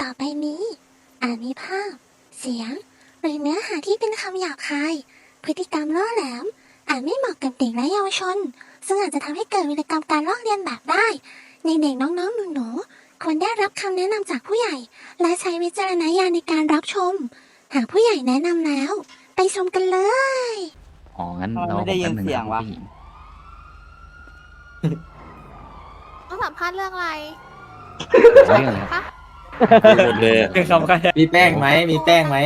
ต่อไปนี้อาจมีภาพ เสียง หรือเนื้อหาที่เป็นคำหยาบคาย พฤติกรรมล่อแหลม อาจไม่เหมาะกับเด็กและเยาวชน ซึ่งอาจจะทำให้เกิดวิกรรมการลอกเลียนแบบได้ ในเด็กน้องๆหนูๆควรได้รับคำแนะนำจากผู้ใหญ่ และใช้วิจารณญาณในการรับชม หากผู้ใหญ่แนะนำแล้ว ไปชมกันเลยอ๋อ งั้นทำไมเราไม่ได้ยินเสียงวะผู้หญิงต้องสัมภาษณ์เรื่องอะไรเรื่องอะไรครับคะหมดเลยคือคำกันมีแป้งไหมมีแป้งไหม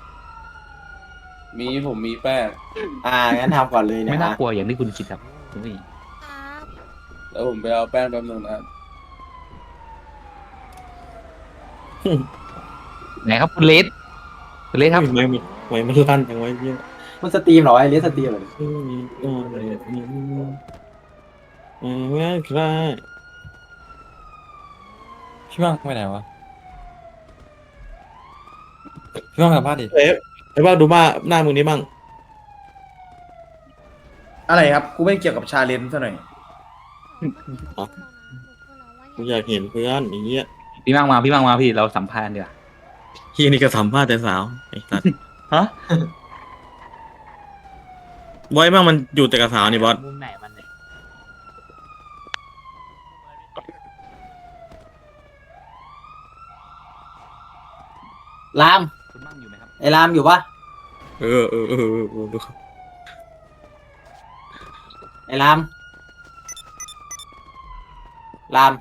ผมมีแป้งงั้นทำก่อนเลยเนี่ยไม่น่ากลัวอย่างที่คุณคิดครับคุณผู้หญิงครับแล้วผมไปเอาแป้งแป๊บนึงนะไหนครับคุณเลสคุณเลสครับไม่มันลั่นจังไว้เนี่ยมันสตรีมเหรอไอเลียสตรีมเหรอง่ายครับพี่ว่างไปไหนวะพี่ว่างสัมภาษณ์ดิไอ้ว่าดูบ้าหน้ามึงนี้บ้างอะไรครับ กูไม่เกี่ยวกับชาเลนจ์ซะหน่อยกูอยากเห็นเพื่อนอย่างเงี้ยพี่มั่งมาพี่เราสัมภาษณ์ดีกว่าเฮียนี่ก็สัมภาษณ์แต่สาวไอ้สัสฮะบอยบ้างมันอยู่แต่กับสาวนี่บอสมุมไหนมันเนี่ยรามคุณมั่งอยู่ไหมครับไอรามอยู่ปะเออไอรามราม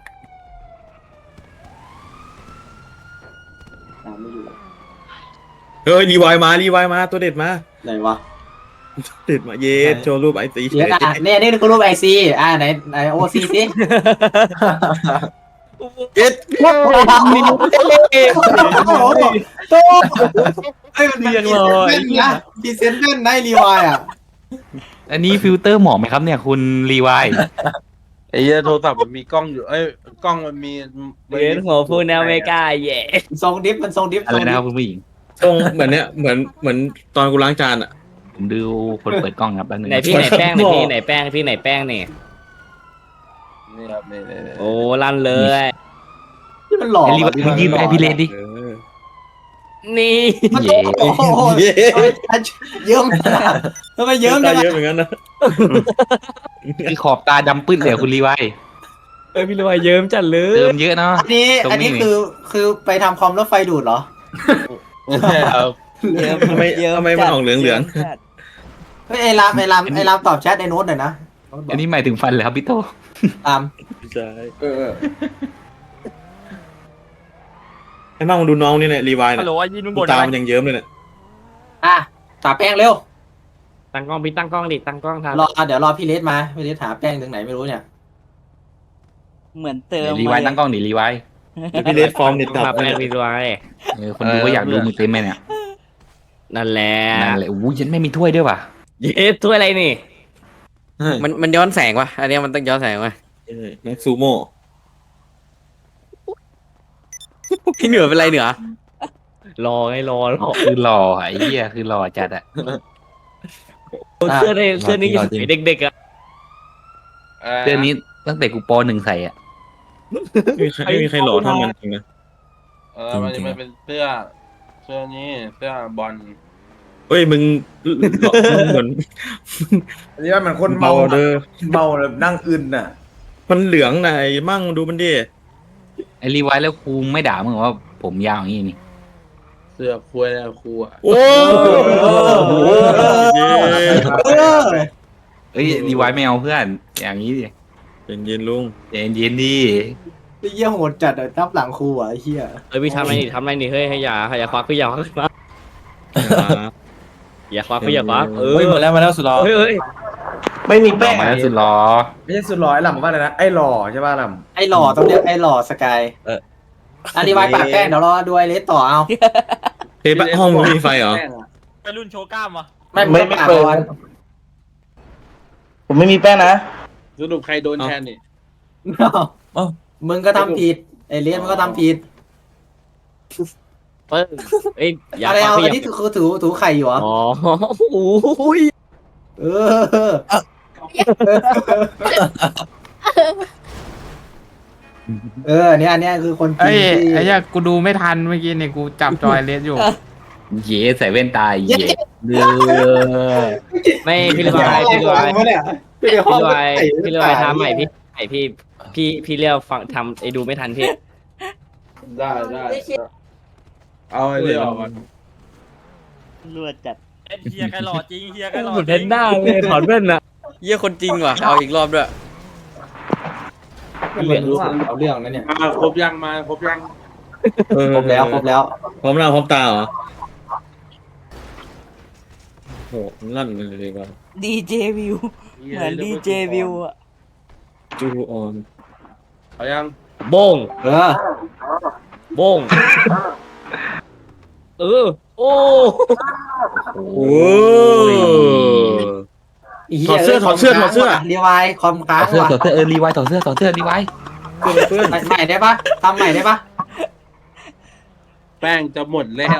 ไม่อยู่เฮ้ยรีไวล์มาตัวเด็ดมาไหนวะเด็ดมาเย็ดโชว์รูปไอซีเดี๋ยวอ่ะเนี่ยนี่คือรูปไอซีไหนโอซีสิเย็ดไอ้มันเรียงเลยนะพรีเซนต์เล่นได้รีวายอ่ะอันนี้ฟิลเตอร์เหมาะไหมครับเนี่ยคุณรีไวท์ไอ้เหี้ยโทรศัพท์มันมีกล้องอยู่ กล้องมันมีเวียนหัวพูดนะไม่กล้าแย่ทรงดิฟมันทรงดิฟอะไรนะครับคุณผู้หญิงตรงเหมือนเนี้ยเหมือนตอนกูล้างจานอ่ะผมดูคนเปิดกล้องครับแป๊บนึงไหนพี่ไหนแป้งไหนพี่ไหนแป้งพี่ไหนแป้งนี่นี่ครับนี่โอ้ลั่นเลยที่มันหล่อไอ้รีไวท์มึงยืนให้พี่เลนดินี่มันเย่โอ้โหเยิ้มทำไมเยิ้มตาจังเยอะเหมือนกันนะคือขอบตาดำปื้ดเลยอะคุณรีไวท์พี่รวยเยิ้มจัดเลเติยมเยอะเนาะอันนี้คือไปทำคอมแล้วไฟดูดเหรอครับทำไมมันออกเหลืองเฮ้ยไอ้รามตอบแชทในโน้ตหน่อยนะอันนี้หมายถึงฟันเหรอครับพี่โตรามๆใช่ไอ้บ้างมึงดูน้องนี่เนี่ยรีไวล์ฮัเนี่ลโหลยยินมึงดูบ่นตาอะไรมันยังเยิ้มเลยเนี่ยตาแป้งเร็วตั้งกล้องพี่ตั้งกล้องดิตั้งกล้องทเดี๋ยวรอพี่เลสมาพี่เลสหาแป้งถึงไหนไม่รู้เนี่ยเหมือนเติมรีไวท์ตั้งกล้องดิรีไวท์เดี๋ยวพี่เลสฟอร์มเน็ตำตับมาแป้งเนี่ยพี่รวยคนดูก็อยากดูมือเต็มไหมเนี่ยนั่นแหละนั่นเลยอู้ยันไม่มีถ้วยด้วยว่ะเย้ถ้วยอะไรนี่ มันย้อนแสงวะอันนี้มันต้องย้อนแสงวะแม็กซูโม่พี่เหนือเป็นไรเหนือรอไงรอคือหล่อไอ้เหี้ยคือหล่อจัดอะเสื้อนี่ยังสวยเด็กๆอ่ะเสื้อนี้ตั้งแต่กูป .1 ใส่อ่ะไม่มีใครหล่อเท่ามันจริงนะมันจริจะงๆมันเป็นเสื้อนี้เสื้อบอลเฮ้ยมึงเหมือนอันนี้ว่ามันคนเมาเมาเด้อเมาแบบนั่งอึนน่ะมันเหลืองไหนมั่งดูมันดิไอ้รีไวท์แล้วครูไม่ด่ามึงเหรอว่าผมยาวอย่างนี้นี่เสื้อคุยแล้วครูอ่ะโอ้โหเย้เอ้ยรีไวท์ไม่เอาเพื่อนอย่างนี้ดิเย็นๆลุงเย็นๆดิไอ้เหี้ยโหดจัดอะทับหลังครูอ่ะไอ้เหี้ยพี่ทำอะไรนี่เฮ้ยให้อย่าควักพี่อย่าควักมาอย่าควักพี่อย่าควักเฮ้ยมาแล้วสุดหล่อเฮ้ยไม่มีต่อแป้งมาแล้วสุดหล่อไม่ใช่สุดหล่อไอ้หล่ำว่าอะไรนะ ไอ้หล่อใช่ป่ะหล่ไอ้หล่อต้องเรียกไอ้หล่อสกายอันนี้ไว้ปากแป้งเดี๋ยวรอดูไอ้เลสต่อเอาเฮ้ยห้องมึงมีไฟเหรอไปรุ่นโชว์กล้ามวะไม่เปิด ผมไม่มีแป้งนะสรุปใครโดนแทนนี่มึงก็ทำผิดไอ้เลสมึงก็ทำผิดเอ้ยอย่าอะไรควักเอาพี่อันนี้คือถูไข่อยู่เหรออ๋อโอ้ยเอออันเนี้ยคือคนจริเอ้งยที่ไอ้เหี้ยกูดูไม่ทันเมื่อกี้เนี่ยกูจับจอยเลสอยู่เย่ใส่แว่นตาเย่เลือไม่พี่ลอยพี่ลอยพี่ลอยพี่ลอยทำใหม่พี่เรียกฟังทำไอ้ดูไม่ทันพี่ได้เอาไอ้เรื่องออกมารวดจัดเฮียใครหล่อจริงเฮียใครหล่อเหมือนเพนด้าเลยถอดแว่นอะเยี่ยคนจริงว่ะเอาอีกรอบด้วยเหลือรู้เอาเรื่องนั้นเนี่ยครบยังมาครบยังครบแล้วพร้อมหน้าพร้อมตาเหรอโหลั่นเลยดีกว่าดีเจวิวเหมือนดีเจวิวอะจูออนเอายังโบง โบงโอ้โอ้ถอดเสื้อรีวายคอมค้างถอดเสื้อว่ะถอดเสื้อรีไวถอดเสื้อรีไวเพื่อนใหม่ได้ปะทำใหม่ได้ปะแป้งจะหมดแล้ว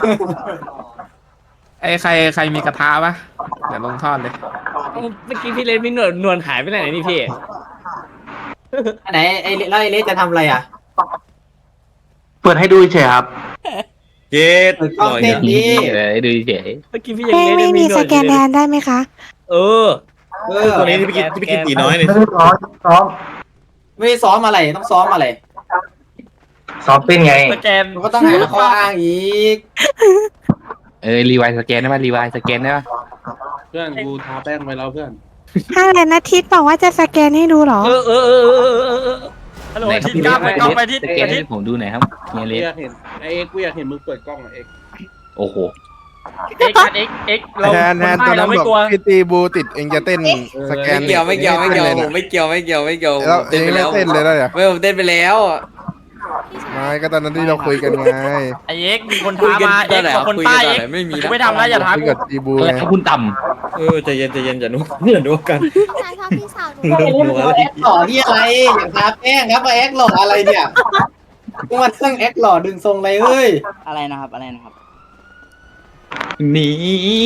ไอ้ใครมีกระทะปะเดี๋ยวลงทอดเลยเมื่อกี้พี่เลนมีหนวดหายไปไหนนี่พี่อันไหนไอ้แล้วไอ้เลสจะทำอะไรอ่ะเปิดให้ดูเฉยครับเจ็ดเปิดกล้องเต้นดิดูเฉยเมื่อกี้พี่ยังไม่มีสแกนแดนได้ไหมคะเออตัวนี้ที่พี่กินตีน้อยเนี่ยไม่ได้ซ้อมอะไรต้องซ้อมอะไรซ้อมเต้นไงสแกนมันก็ต้องหาข้ออ้างอีกรีไวสแกนได้ปะรีไวสแกนได้ปะเพื่อนกูทาแป้งไปแล้วเพื่อนถ้าอะไรนะทิศบอกว่าจะสแกนให้ดูเหรอฮัลโหลทิศกล้าเปิดกล้องไปทิศสแกนให้ผมดูหน่อยครับเฮียเลกูสอยากเห็นไอ้เอ็กกูอยากเห็นมึงเปิดกล้องอ่ะเอ็กโอ้โหเอ็กเราคนไทยเราไม่กลัวพี่ตีบูติดเองจะเต้นสแกนไม่เกี่ยวผมไม่เกี่ยวผมไม่เกี่ยวแล้วเองไม่เต้นเลยแล้วเนี่ยไม่ผมเต้นไปแล้วไม่ก็ตอนนั้นที่เราคุยกันไงไอเอ็กมีคนท้ามาเอ็กกับคนใต้เอ็กไม่มีกูไม่ทำแล้วอย่าท้าคุยกูกับตีบูอะไรไงครับคุณต่ใจเย็นอย่านุกันพี่ชายชอบพี่สาวหนูแอคหล่อที่อะไรอย่างทาแป้งครับมาแอคหล่ออะไรเนี่ยกูมาตั้งแอคหล่อดึงทรงอะไรเอ้ยอะไรนะครับอะไรนะครับำนี่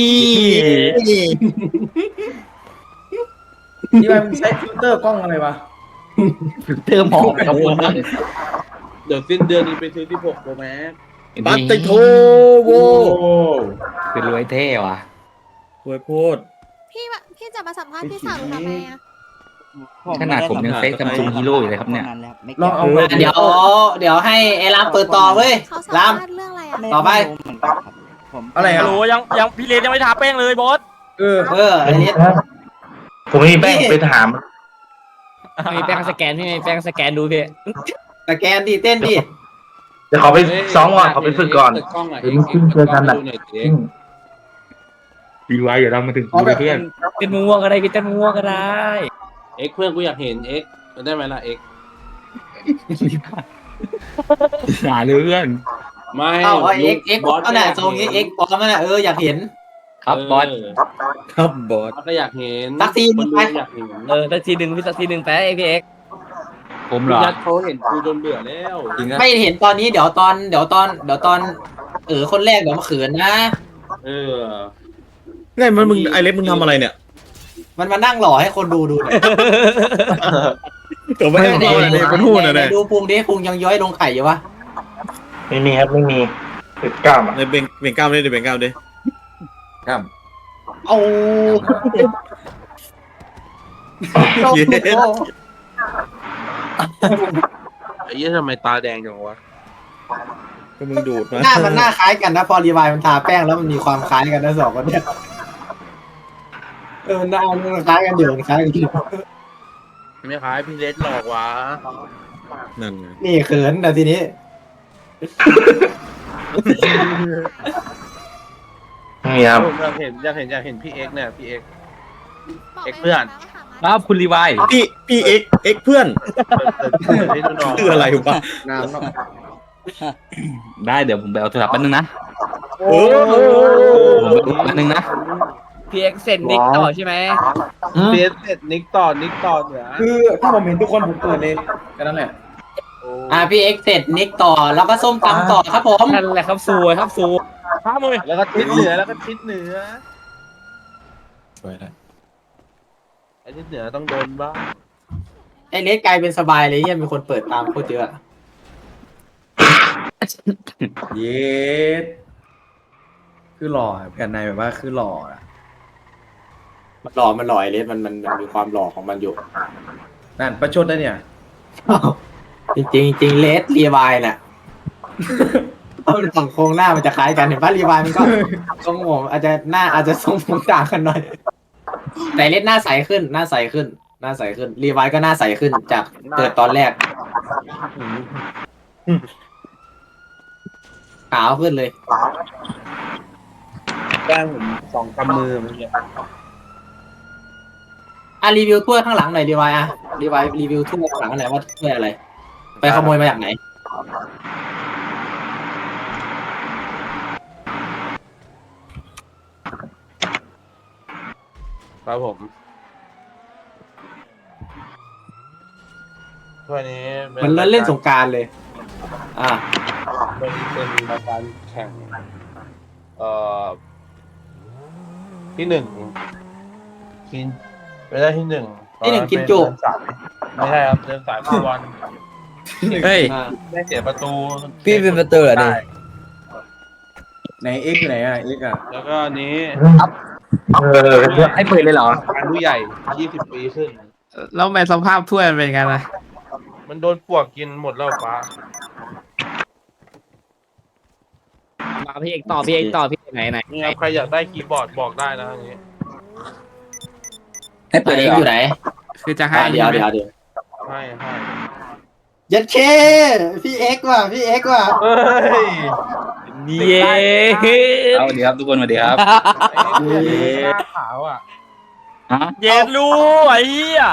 นี่มันใช้ฟิลเตอร์กล้องอะไรวะเติมหอมขอบคุณมากเดี๋ยวสิ้นเดือนนี้ไปซื้อที่6โปรแม็กปัตติโทโวเป็นรวยเท่ว่ะหวยโพดพี่จะมาสัมภาษณ์พี่สาวหนูทำไมอะขนาดผมยังเฟซซัมซุงฮีโร่อยู่เลยครับเนี่ยลองเอาเดี๋ยวให้ไอ้รามเปิดต่อเว้ยเขาสัมรามภาษณ์เรื่องอะไรอะต่อไปอะไรฮัอ่ะลโหลยังพี่เลนยังไม่ทาแป้งเลยบอสอันนี้ผมไม่มีแป้งไปถามมีแป้งสแกนพี่แป้งสแกนดูพี่สแกนดิเต้นดิเดี๋ยวขอไปซ้อมก่อนขอไปฝึกก่อนเปิดกล้องอ่ะเดี๋ยวมึงเจอกันน่ะรีไวเดี๋ยวเรามาถึงกูเพื่อนเต้นม่วงก็ได้พี่เต้นม่วงก็ได้เอ็กเพื่อนกูอยากเห็นเอ็กได้ไหมล่ะเอ็กหาเรื่องไม่เอาเอ็กเอาน่ะทรงนี้เอ็กปลอมนั่นน่ะอยากเห็นครับบอสครับบอสก็อยากเห็นสักทีนึคนงดูไปอยากเห็นสักทีหนึ่งพี่สักทีหนึ่งแป๊ะพี่เอ็กผมเหรอยัดเขาเห็นกูจนเบื่อแล้วจริงนะไม่เห็นตอนนี้เดี๋ยวตอนคนแรกเดี๋ยวมาเขินนะเออไงมึงไอเล็บมึงทำอะไรเนี่ยมันมานั่งหล่อให้คนดูดูเนี่ยตัวไม่ได้ทำอะไรเลยเป็นหู้นะเนี่ยดูพุงดิพุงยังย้อยลงไข่อยู่วะไม่มีครับไม่มีติดกล้ามอ่ะในเบ่งกล้ามดิเบ่งกล้ามดิครับเอาเย็นไอ้เหี้ยทำไมตาแดงจังวะก็มึงดูดมาหน้ามันหน้าคล้ายกันนะพอรีวายมันทาแป้งแล้วมันมีความคล้ายกันนะสองคนเนี่ยหน้ามันคล้ายกันอยู่มันคล้ายกันอยู่ไม่คล้ายพี่เลสหลอกวะนั่นไงนี่เขินแต่ทีนี้นี่ครับอยากเห็นพี่เอ็กเนี่ยพี่เอ็กบอกเอ็กไปเพื่อนว่าหามาครับคุณรีไวพี่เอ็กเพื่อนให้ดูหน่อยคืออะไรวะน้ำเนาะได้เดี๋ยวผมไปเอาโทรศัพท์แป๊บนึงนะโอ้ผมไปดูแป๊บนึงนะพี่เอ็กเซนนิกต่อใช่ไหมเบสเสร็จนิกต่อเหนือคือถ้าผมเห็นทุกคนผมเปิดเลยก็นั่นแหละพี่เอ็กเสร็จนิกต่อแล้วก็ส้มตำต่อครับผมนั่นแหละครับซูครับซูท้ามือแล้วก็ทิศเหนือสวยแล้วไอ้ทิศเหนือต้องโดนบ้างไอเลสกลายเป็นสบายเลยเฮียมีคนเปิดตามโคตรเยอะเย็ดคือหล่อกันในแบบว่าคือหล่ออะมันหล่อไอเลสมันมีความหล่อของมันอยู่นั่นประชดได้เนี่ยจริงเลสรีวายน่ะฝั่งโครงหน้ามันจะคล้ายกันเห็นป่ะรีวายมันก็ทรงผมอาจจะทรงผมต่างกันหน่อยแต่เลสหน้าใสขึ้นรีวายก็หน้าใสขึ้นจากเกิดตอนแรกขาวขึ้นเลยแก้มผม2 กำมือเมื่อกี้รีวิวถ้วยข้างหลังหน่อยรีวายรีวิวถ้วยข้างหลังหน่อยว่าถ้วยอะไร ไปขโมยมาจากไหนครับผมถ้วยนี้มันเล่นสงกรารเลยเป็นรายการแข่งที่ 1กินไปได้ที่ 1 ที่ 1กินจุไม่ใช่ครับเดินสายฟุตบอลเฮ้ยได้เสียประตูพี่เป็นประตูเหรอเนี่ยไหนเอ็กซ์ไหนอ่ะเอ็กซ์อ่ะแล้วก็อันนี้ให้เปิดเลยเหรอการผู้ใหญ่20 ปีขึ้นแล้วทำไมสภาพถ้วยมันเป็นไงล่ะมันโดนปวกกินหมดแล้วฟ้ามาพี่เอกต่อพี่ไหนนี่ครับใครอยากได้คีย์บอร์ดบอกได้นะอันนี้ให้เปิดเองอยู่ไหนคือจะให้เดี๋ยวให้ยัดเคพี่เอ็กซ์ว่ะเฮ้ยเย้เอาสวัสดีครับทุกคนสวัสดีครับหน้าขาวอ่ะเย็นรู้ไอ้เหี้ย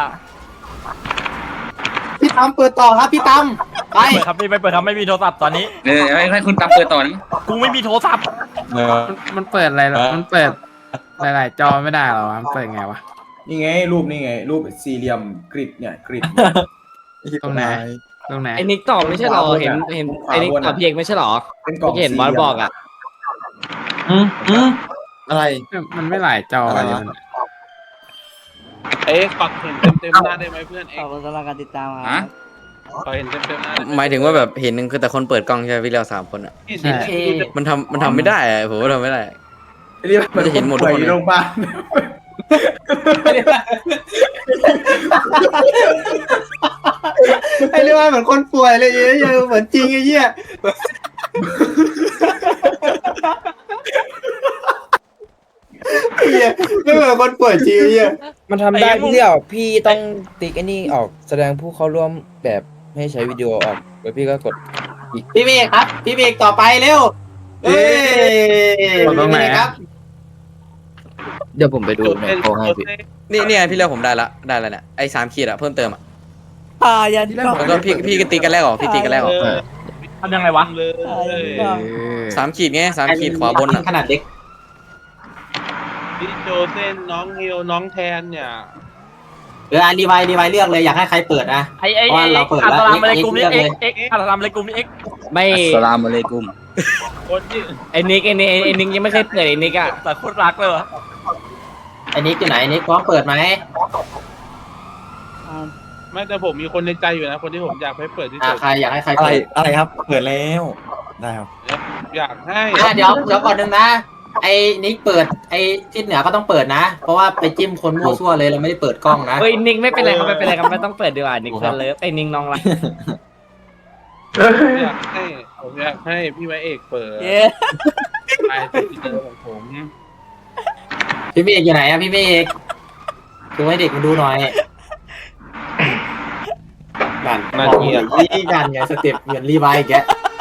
พี่ตั้มเปิดต่อครับพี่ตั้มไปเปิดครับไม่เปิดครับไม่มีโทรศัพท์ตอนนี้ให้คุณตามเปิดต่อนะกูไม่มีโทรศัพท์มันเปิดอะไรหรอมันเปิดหลายๆจอไม่ได้หรอวะมันเปิดไงวะนี่ไงรูปสี่เหลี่ยมกริดเนี่ยกริดตรงไหนไอ้นิกตอบไม่ใช่หรอเห็นไอ้นิกตอบพี่เอกไม่ใช่หรอเป็นกล่องเห็นบอสบอกอ่ะอะไรมันไม่หลายจอเลยมันปักเห็นเต็มหน้าได้ไหมเพื่อนขอบคุณสำหรับการติดตามคฮะรับปักเห็นเต็มหน้าหมายถึงว่าแบบเห็นนึงคือแต่คนเปิดกล้องใช่ไหมพี่เรา3 คนอ่ะมันทำไม่ได้อะผมว่าทำไม่ได้เรียกมันจะเห็นหมดทุกคนเลยอยู่โรงพยาบาลไอ้เรื่องเหมือนคนป่วยเลยเหี้ยเหมือนจริงไอ้เหี้ยไม่เหมือนคนป่วยจริงไอ้เหี้ยมันทำได้พี่เดียวพี่ต้องติ๊กไอ้นี่ออกแสดงผู้เข้าร่วมแบบให้ใช้วิดีโอออกแล้วพี่ก็กดพี่เมฆครับพี่เมฆต่อไปเร็วเอ้ยตรงไหนพี่เมฆครับเดี๋ยวผมไปดูจุดในเป็นโพลให้พี่นี่พี่เลือกผมได้แล้วเนี่ยไอ้3 ขีดอะเพิ่มเติมอะยันกล่องแล้วก็พี่ก็ตีกันแรกออกพี่ตีกันแรกออกทำยังไงวะเลย 3 ขีดไง3 ขีดขวาบนอะขนาดเล็กพี่โจเซนน้องฮิวน้องแทนเนี่ยรีไวเลือกเลยอยากให้ใครเปิดนะไอ้เพราะว่าเราเปิดแล้วอัสลามอะไรกลุ่มนี้เลือกเลยเอ็กอัสลามอะไรกลุ่มนี้เอ็กไม่สลามอะลัยกุมคนที่ไอ้นิกยังไม่เคยเปิดไอ้นิกอะแต่โคตรรักเลยวะไอ้นิกอยู่ไหนนิกพร้อมเปิดไหมไม่แต่ผมมีคนในใจอยู่นะคนที่ผมอยากให้เปิดที่สุดใครอยากให้ใครอะไรเปิดอะไรครับ เปิดแล้วได้ครับอยากให้เดี๋ยวก่อนหนึ่งนะ ไอ้นิกเปิดไอ้ทิศเหนือก็ต้องเปิดนะ เพราะว่าไปจิ้มคนมั่วซั่วเลยเราไม่ได้เปิดกล้องนะเฮ้ยนิกไม่เป็นไรครับไม่ต้องเปิดดีกว่านิกเฟิร์นเลิฟไอ้นิกน้องรักผมอยากให้พี่ไว้เอกเปิดเย้ไอ้ที่เจอของผมพี่เมฆอยู่ไหนอะพี่เมฆดูให้เด็กมาดูหน่อยนั่นนี่กันไงสเต็ปเหมือนรีไวล์แก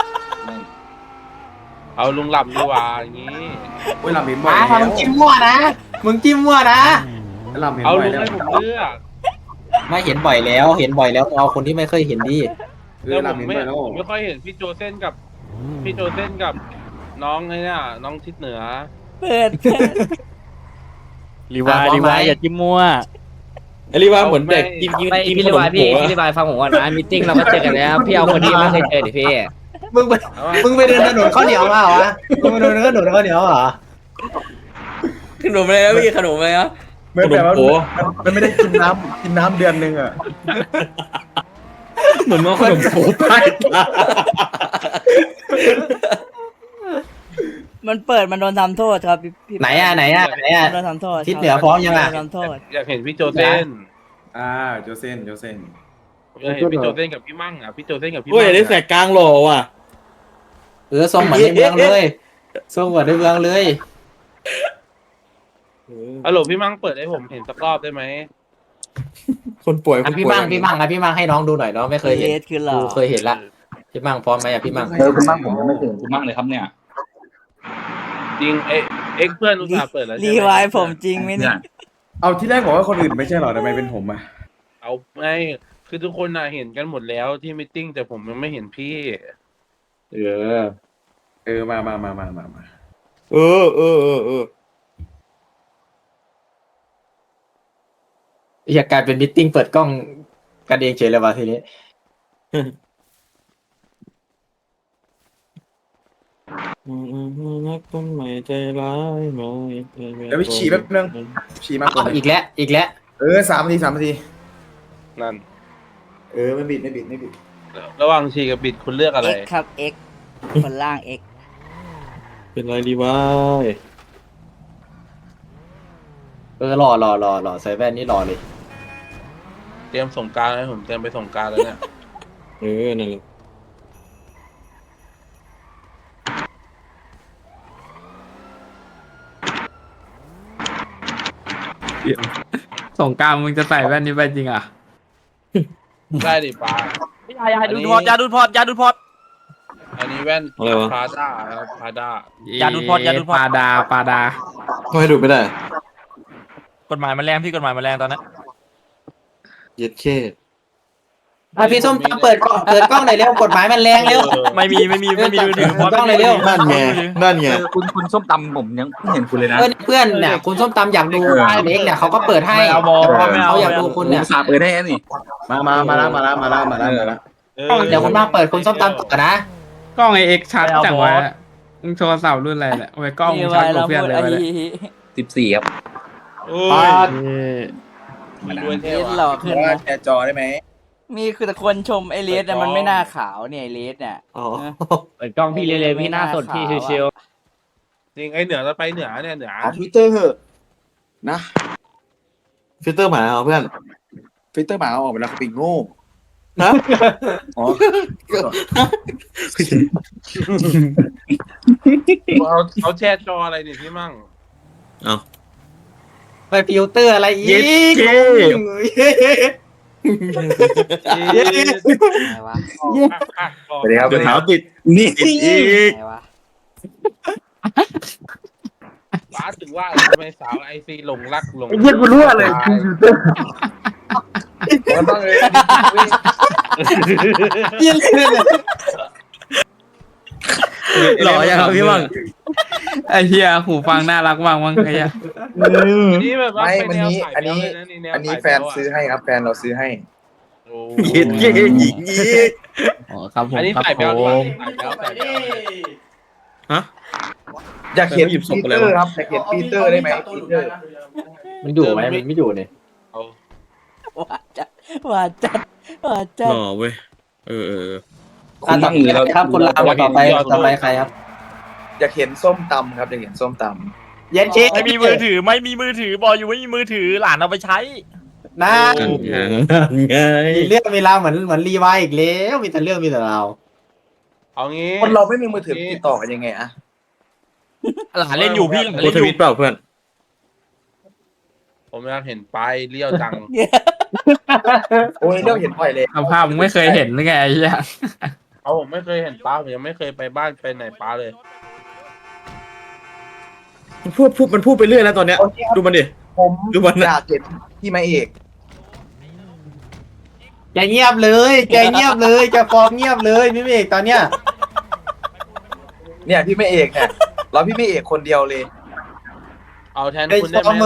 เอาลุงลำดีกว่าอย่างนี้เวลาเห็นบ่อยมามึงจิ้มมั่วนะมึงจิ้มมั่วนะเราเห็นเอาบ่อยลุงแล้วให้ผมเลือกไม่เห็นบ่อยแล้ว เอาคนที่ไม่เคยเห็นดิแล้วผมไม่ค่อยเห็นพี่โจเซนกับน้องไอ้เนี่ยน้องทิศเหนือเปิดรีวายอย่าจิ้มมั่วรีว่าเหมือนเด็กพี่รีบายพี่รีบายฟังผมก่อนนะมีติ้งเราก็เจอกันแล้วพี่เอาคนที่ไม่เคยเจอดิพี่มึงไปเดินถนนข้าวเหนียวมาเหรอมึงไปเดินถนนข้าวเหนียวเหรอขนมอะไรนะพี่ขนมอะไรนะเหมือนแบบว่าโอ้มันไม่ได้กินน้ำเดือนนึงอ่ะเหมือนว่าขนมโผล่ใต้ตามันเปิดมันโดนทำโทษครับพี่ไหนอ่ะโดนทำโทษทิศเหนือพร้อมยังอ่ะโดนทำโทษอยากเห็นพี่โจเซนโจเซนอยากเห็นพี่โจเซนกับพี่มั่งอ่ะพี่โจเซนกับพี่โอ้ยมั่งได้แสกกลางหล่อว่ะทรงเหมือนในเมืองเลยทรงเหมือนในเมืองเลยฮัลโหลพี่มั่งเปิดให้ผมเห็นสักรอบได้ไหมคนป่วยอ่ะพี่มั่งให้น้องดูหน่อยน้องไม่เคยเห็นเลสคือหล่อกูเคยเห็นละพี่มั่งพร้อมไหมอ่ะพี่มั่งคุณมั่งผมยังไม่ถึงคุณมั่งเลยครับเนี่ยจริงเอ็กเพื่อนอุตส่าห์เปิดแล้วรีไวายผมจริงไหมเนี่ยเอาที่แรกบอกว่าคนอื่นไม่ใช่หรอทำไมเป็นผมอ่ะเอาไม่คือทุกคนน่ะเห็นกันหมดแล้วที่มิทติ้งแต่ผมยังไม่เห็นพี่มาเอออยากกลายเป็นมิทติ้งเปิดกล้องกันเองเฉยเลยว่ะทีนี้นักต้นไม้ใจร้ายไหมเดี๋ยวไปฉี่แป๊บนึงฉี่มากกว่าอีกแล้ว 3 นาทีนั่นไม่บิดระหว่างชีกับบิดคุณเลือกอะไร X ครับ X คนล่าง X เป็นไรดีวะหล่อใส่แว่นนี่หล่อเลยเตรียมส่งกรารให้ผมเตรียมไปส่งกรารแล้วเนี่ยนั่นแหละสงกรารมึงจะใส่แว่นนี้ไปจริงอ่ะได้ดิป้าอย่าดูพอดอย่าดูพอดอันนี้แว่นอะไรวะพาด้าครับพาด้าอย่าดูพอดอย่าดูพอดปาดาก็ให้ดูไม่ได้กฎหมายมันแรงพี่กฎหมายมันแรงตอนนั้นเย็ดเคพี่ส้มตำเปิดกล้องหน่อยเร็วกฎหมายมันแรงเร็วไม่มีมือถือพอดต้องเลยเร็วนั่นไงคุณส้มตำผมยังไม่เห็นคุณเลยนะเพื่อนเนี่ยคุณส้มตำอยากดูเล็กเนี่ยเขาก็เปิดให้ไม่เอาบอกไม่เอาเขาอยากดูคุณเนี่ยสาเปิดได้นี่มาแล้วเดี๋ยวคุณมาเปิดคุณส้มตำก่อนนะกล้องไอเอ็กชัดจังวะมึงโทรศัพท์รุ่นอะไรเนี่ยโอ้ยกล้องมึงชัดกว่าเพื่อนเลย 14ครับโอ้ยมีด้วยเท่เลสหว่ะล่อขึ้นนะแชร์จอได้ไหมมีคือแต่คนชมไอเลสเนี่ยมันไม่น่าขาวเนี่ยไอเลสเนี่ยอ๋อเปิดกล้องพี่เร็วๆพี่หน้าสดพี่ชิวจริงไอเหนือเราไปเหนือเนี่ยเหนือทวิตเตอร์เหอะนะฟิลเตอร์หมาเอาเพื่อนฟิลเตอร์หมาเอาออกไปแล้วเขาปิงโง่นะอ๋อเขาแช่จออะไรเนี่ยพี่มั่งไปฟิลเตอร์อะไรอีกอะไรวะสวัสดีครับเดี๋ยวเท้าติดนี่อีกอะไรวะป้าถึงว่าทำไมสาวไอซีหลงรักหลงเยี่ยกูรู้อะไรมันต้องเลยหล่อยังพี่มั่งไอเฮียหูฟังน่ารักมากมั้งไอ้เฮียนี่แบบว่าไม่มันนี้อันนี้แฟนซื้อให้ครับแฟนเราซื้อให้เย็ดเย่หญิงอีกอ๋อครับผมอันนี้ครับใส่แบผลมใส่แบลอยากเขียนปีเตอร์ครับอยากเขียนปีเตอร์ได้ไหมปีเตอร์มันอยู่ไหมมันไม่อยู่เนี่ยหวานจัดหวานจัดหวานจัดหล่อเว้ยเออต่อไปครับคุณลาวต่อไปใครครับอยากเห็นส้มตำครับอยากเห็นส้มตเย็นเช็ๆไม่มีมือถือบอกอยู่ไม่มีมือถือหลานเอาไปใช้นั่นไงมีเรื่องมีราวเหมือนรีวายอีกแล้วมีแต่เรื่องมีแต่ราวเอางี้ำคนเราไม่มีมือถือติดต่อกันยังไงอะหลานเล่นอยู่พี่หลานโพเล่สนทอยู่วิตเปล่าเพื่อนผมอยากเห็นไปเลี้ยวจังโอ้ยเรื่องเห็นบ่อยเลยสภาพมึงไม่เคยเห็นหรือไงไอ้เฮียเอาผมไม่เคยเห็นป้าผมยังไม่เคยไปบ้านไปไหนป้าเลยมันพูดไปเรื่อยนะตอนเนี้ย ดูมันดิผมดูมันอยากเห็นพี่มาเอกแกเงียบเลยแกฟอร์มเงียบเลยพี่เมฆตอนเนี้ยเนี่ยพี่มาเอกเนี่ยเราพี่มาเอกคนเดียวเลยเอาแทนคุณได้ไหม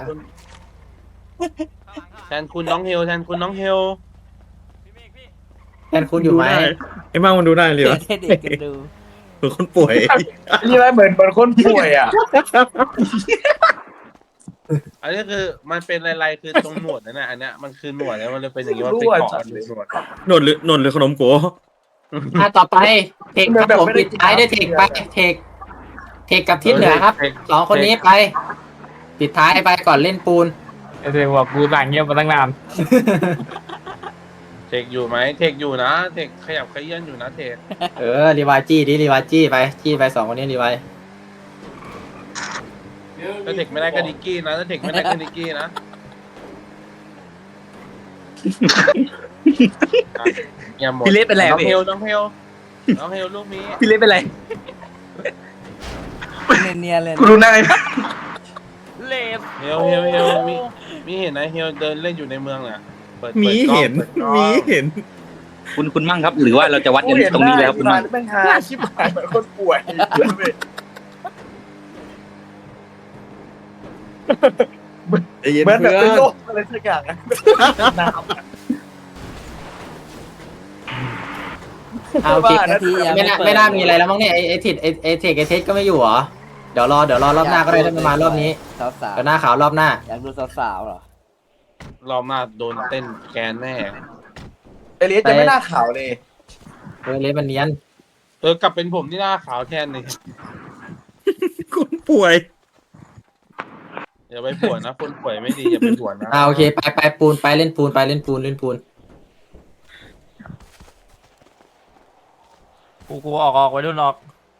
แทนคุณน้องเฮลแทนคุณน้องเฮลแทนคุณอยู่ไหมไอ้มั่งมันดูได้เลยเปิวะดให้เด็กกันดูเหมือนคนป่วยนี่ไหมเหมือนคนป่วยอ่ะอันนี้คือมันเป็นลายๆคือตรงหนวดนั่นแหละอันเนี้ยมันคือหนวดแล้วมันเลยเป็นอย่างนี้มันเป็นเกาะหรือหนวดหนวดหรือขนมโกต่อไปเทคครับผมปิดท้ายด้วยเทคไปเทคกับทิศเหนือครับสองคนนี้ไป ปิดท้ายไปก่อนเล่นปูนไอ้เด็กบอกกูสั่งเงียบมาตั้งนานเทคอยู่ไหมเทคอยู่นะเทคขยับขยื่นอยู่นะเทครีวายจี้ดิรีวายจี้ไปสองคนนี้รีวายถ้าเทคไม่ได้ก็นิกกี้นะถ้าเทคไม่ได้ก็นิกกี้นะอย่าหมดพี่เล็กเป็นไรน้องพี่เฮลน้องเฮลลูกนี้พี่เล็กเป็นไรเนียนเลยกูดูหน้าไอ้เลสเฮลมีเห็นนะเฮลเดินเล่นอยู่ในเมืองน่ะเปิดมีกล้องเห็นปิดกล้องมีเห็นคุณมั่งครับ หรือว่าเราจะวัดกันตรงนี้แล้วคุณมั่งเป็นหาชิบหายเหมือนคนป่วยเหมือนแบบเป็นโรคอะไรสักอย่างอะน้ำเอาโอเคไม่น่ามีอะไรแล้วมั้งเนี่ยไอเทคก็ไม่อยู่เหรอเดี๋ยวรอรอบหน้าก็ได้ถ้ามันมารอบนี้สาวสาวเดี๋ยวหน้าขาวรอบหน้าอยากดูสาวเหรอรอบหน้าโดนเต้นแกนแน่ไอเลียสจะไม่น่าข่าวเลยเลสมันเนียนกลับเป็นผมที่หน้าขาวแทนนี่คนป่วยอย่าไปปวดนะคนป่วยไม่ดีอย่าไปปวดนะโอเคไปปูนไปเล่นปูนเล่นปูนกูออกไว้รุ่นออก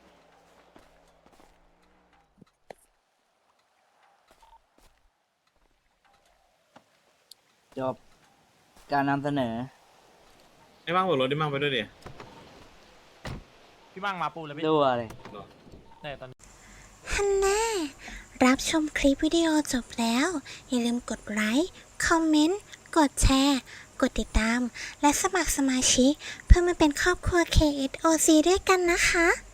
จบการนำเสนอไอ้บ้างหัวรถได้มั่งไปด้วยดิพี่มั่งมาปูแล้วพี่ดูอะไรเนี่ยตอนฮันน่ารับชมคลิปวิดีโอจบแล้ว อย่าลืมกดไลค์ คอมเมนต์ กดแชร์ กดติดตาม และสมัครสมาชิกเพื่อมาเป็นครอบครัว KSOC ด้วยกันนะคะ